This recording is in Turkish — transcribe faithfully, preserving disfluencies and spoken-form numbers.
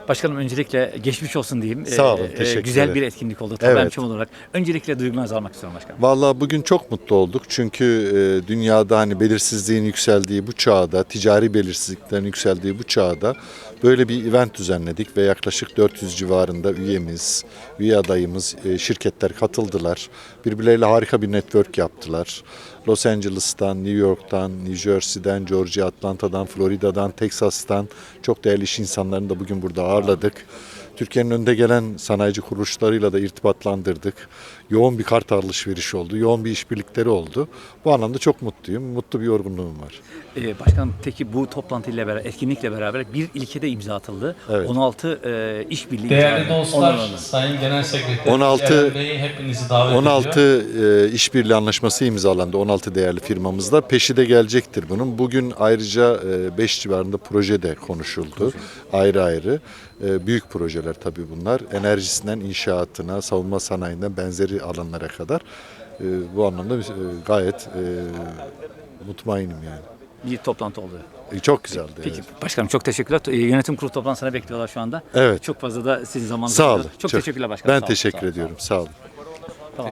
Başkanım öncelikle geçmiş olsun diyeyim. Sağ olun, Ee, teşekkür Güzel ederim. bir etkinlik oldu tabii Evet. olarak. Öncelikle duygularınızı almak istiyorum başkanım. Vallahi bugün çok mutlu olduk çünkü e, dünyada hani belirsizliğin yükseldiği bu çağda, ticari belirsizliklerin yükseldiği bu çağda böyle bir event düzenledik ve yaklaşık dört yüz civarında üyemiz, üye adayımız, e, şirketler katıldılar. Birbirleriyle harika bir network yaptılar. Los Angeles'tan, New York'tan, New Jersey'den, Georgia, Atlanta'dan, Florida'dan, Texas'tan çok değerli iş insanlarını da bugün burada ağırladık. Türkiye'nin önde gelen sanayici kuruluşlarıyla da irtibatlandırdık. Yoğun bir kart alışverişi oldu, yoğun bir işbirlikleri oldu. Bu anlamda çok mutluyum, mutlu bir yorgunluğum var. Ee, başkanım peki bu toplantıyla beraber, etkinlikle beraber bir ilkede imza atıldı. Evet. on altı e, işbirliği Değerli imzalandı. dostlar, Onlarla. Sayın Genel Sekreter on altı Eren Bey hepinizi davet on ediyor. altı e, işbirliği anlaşması imzalandı on altı değerli firmamızla. Peşi de gelecektir bunun. Bugün ayrıca beş civarında proje de konuşuldu. Ayrı ayrı. E, büyük projeler tabii bunlar. Enerjisinden inşaatına, savunma sanayinden benzeri alanlara kadar. E, bu anlamda e, gayet e, mutmainim yani. Bir toplantı oldu. E, çok güzeldi. Peki evet. başkanım çok teşekkürler. Ee, Yönetim kurulu toplantısına bekliyorlar şu anda. Evet. Çok fazla da sizin zamanınızı Sağ alıyoruz. olun. Çok, teşekkürler başkanım. Ben Sağ olun, teşekkür sağ olun, ediyorum. sağ olun. Sağ olun.